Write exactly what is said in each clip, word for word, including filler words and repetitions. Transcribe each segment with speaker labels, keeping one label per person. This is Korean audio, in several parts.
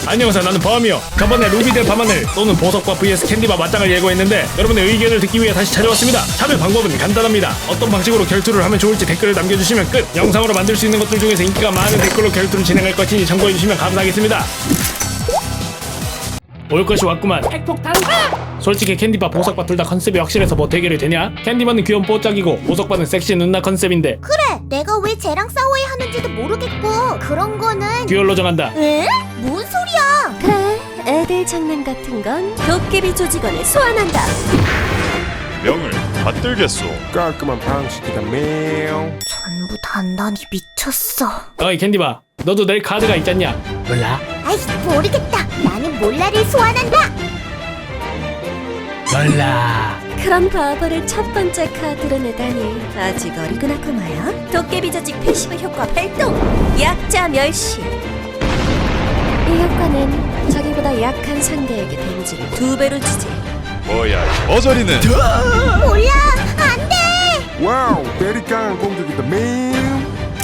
Speaker 1: 안녕하세요, 나는 범이요. 저번에 루비들 밤하늘 또는 보석과 vs 캔디바 맞짱을 예고했는데 여러분의 의견을 듣기 위해 다시 찾아왔습니다. 참여 방법은 간단합니다. 어떤 방식으로 결투를 하면 좋을지 댓글을 남겨주시면 끝. 영상으로 만들 수 있는 것들 중에서 인기가 많은 댓글로 결투를 진행할 것이니 참고해주시면 감사하겠습니다. 올 것이 왔구만. 핵폭탄. 솔직히 캔디바 보석바 둘 다 컨셉이 확실해서 뭐 대결이 되냐? 캔디바는 귀여운 뽀짝이고 보석바는 섹시 누나 컨셉인데
Speaker 2: 그래, 내가 왜 쟤랑 싸워야 하는지도 모르겠고 그런 거는
Speaker 1: 듀얼로 정한다.
Speaker 2: 에? 뭔 소리야?
Speaker 3: 그래, 애들 장난 같은 건 도깨비 조직원에 소환한다.
Speaker 4: 명을 받들겠소.
Speaker 5: 깔끔한 방식이다 매우.
Speaker 2: 전부 단단히 미쳤어.
Speaker 1: 어이 캔디바, 너도 낼 카드가 있잖냐? 몰라?
Speaker 2: 아이씨, 모르겠다. 나는 몰라를 소환한다.
Speaker 1: 몰라.
Speaker 3: 그런 바보를 첫 번째 카드로 내다니 아직 어리구나 꼬마야. 도깨비 조직 패시브 효과 발동! 약자 멸시. 이 효과는 자기보다 약한 상대에게 데미지를 두 배로 주지.
Speaker 4: 뭐야 이 머저리는.
Speaker 2: 몰라, 안 돼.
Speaker 5: 와우, 베리 강한 공격이다 매우.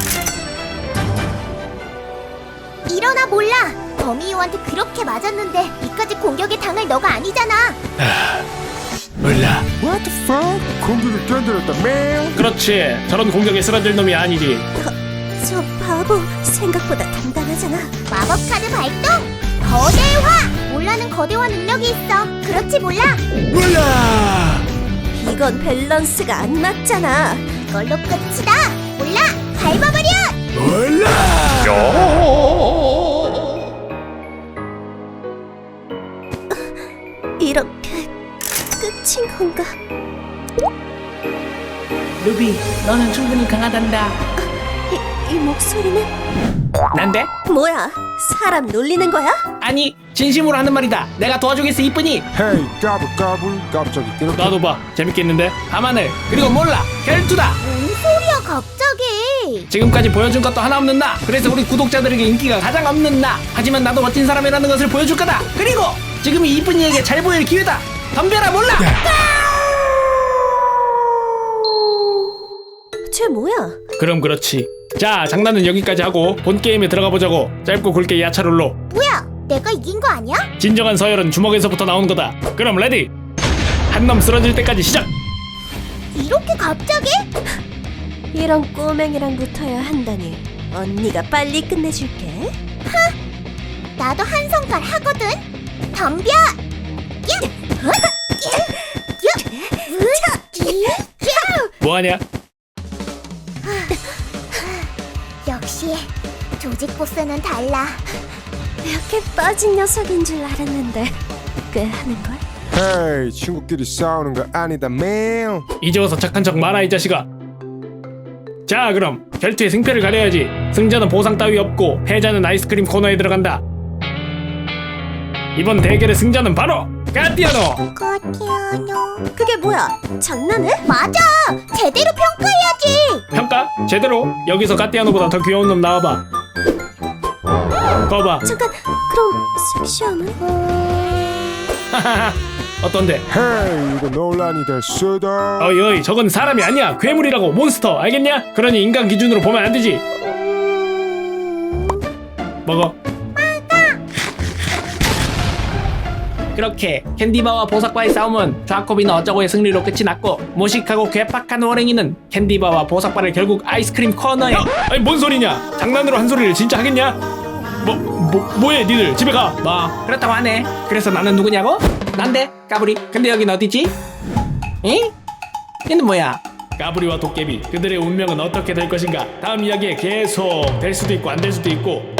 Speaker 2: 일어나, 몰라. 범이유한테 그렇게 맞았는데 이까지 공격에 당할 너가 아니잖아.
Speaker 1: 몰라.
Speaker 5: What the fuck? 공격을 견뎌냈다 매우.
Speaker 1: 그렇지. 저런 공격에 쓰러질 놈이 아니지.
Speaker 3: 저 바보 생각보다 단단하잖아.
Speaker 2: 마법 카드 발동. 거대화. 몰라는 거대화 능력이 있어. 그렇지, 몰라.
Speaker 1: 몰라.
Speaker 3: 이건 밸런스가 안 맞잖아.
Speaker 2: 이걸로 끝이다. 몰라, 밟아버려.
Speaker 1: 몰라.
Speaker 3: 이렇게 끝인 건가?
Speaker 6: 루비, 너는 충분히 강하단다.
Speaker 3: 이, 이 목소리는
Speaker 1: 난데?
Speaker 3: 뭐야? 사람 놀리는 거야?
Speaker 6: 아니, 진심으로 하는 말이다. 내가 도와주겠어, 이쁜이.
Speaker 5: 헤이 까불까불 갑자기 이렇게.
Speaker 1: 나도 봐. 재밌겠는데?
Speaker 6: 밤하늘, 그리고 몰라, 결투다.
Speaker 2: 뭔 소리야, 갑자기.
Speaker 6: 지금까지 보여준 것도 하나 없는 나. 그래서 우리 구독자들에게 인기가 가장 없는 나. 하지만 나도 멋진 사람이라는 것을 보여줄 거다. 그리고 지금이 이쁜이에게 잘 보일 기회다. 덤벼라, 몰라.
Speaker 3: 쟤 뭐야?
Speaker 1: 그럼 그렇지. 자, 장난은 여기까지 하고 본 게임에 들어가 보자고. 짧고 굵게 야차롤로.
Speaker 2: 뭐야, 내가 이긴 거 아니야?
Speaker 1: 진정한 서열은 주먹에서부터 나오는 거다. 그럼 레디. 한 놈 쓰러질 때까지 시작.
Speaker 2: 이렇게 갑자기?
Speaker 3: 이런 꼬맹이랑 붙어야 한다니. 언니가 빨리 끝내줄게.
Speaker 2: 나도 한 성깔 하거든. 덤벼. 야, 어? 야, 야, 으, 야.
Speaker 1: 뭐하냐?
Speaker 2: 역시 조직 보스는 달라.
Speaker 3: 이렇게 빠진 녀석인 줄 알았는데 꽤 하는걸?
Speaker 5: 헤이, 친구끼리 싸우는 거 아니다 매우.
Speaker 1: 이제 와서 착한 척 마라 이 자식아. 자, 그럼 결투의 승패를 가려야지. 승자는 보상 따위 없고 패자는 아이스크림 코너에 들어간다. 이번 대결의 승자는 바로 까띠아노.
Speaker 2: 거티아노.
Speaker 3: 그게 뭐야? 장난해?
Speaker 2: 맞아. 제대로 평가해야지.
Speaker 1: 평가? 제대로. 여기서 까띠아노보다 더 귀여운 놈 나와봐. 거봐.
Speaker 3: 잠깐, 그럼 섹시함은?
Speaker 1: 하하하. 어떤데?
Speaker 5: 헤이, 이거 논란이 될 수도.
Speaker 1: 어이 어이, 저건 사람이 아니야. 괴물이라고. 몬스터. 알겠냐? 그러니 인간 기준으로 보면 안 되지. 먹어.
Speaker 6: 그렇게 캔디바와 보석바의 싸움은 좌코비는 어쩌고의 승리로 끝이 났고, 무식하고 괴팍한 호랭이는 캔디바와 보석바를 결국 아이스크림 코너에.
Speaker 1: 야! 아니 뭔 소리냐? 장난으로 한 소리를 진짜 하겠냐? 뭐, 뭐, 뭐해 니들 집에 가.
Speaker 6: 뭐 그렇다고 하네. 그래서 나는 누구냐고? 난데 까불이. 근데 여긴 어디지? 응? 얘는 뭐야?
Speaker 1: 까불이와 도깨비, 그들의 운명은 어떻게 될 것인가? 다음 이야기에 계속 될 수도 있고 안 될 수도 있고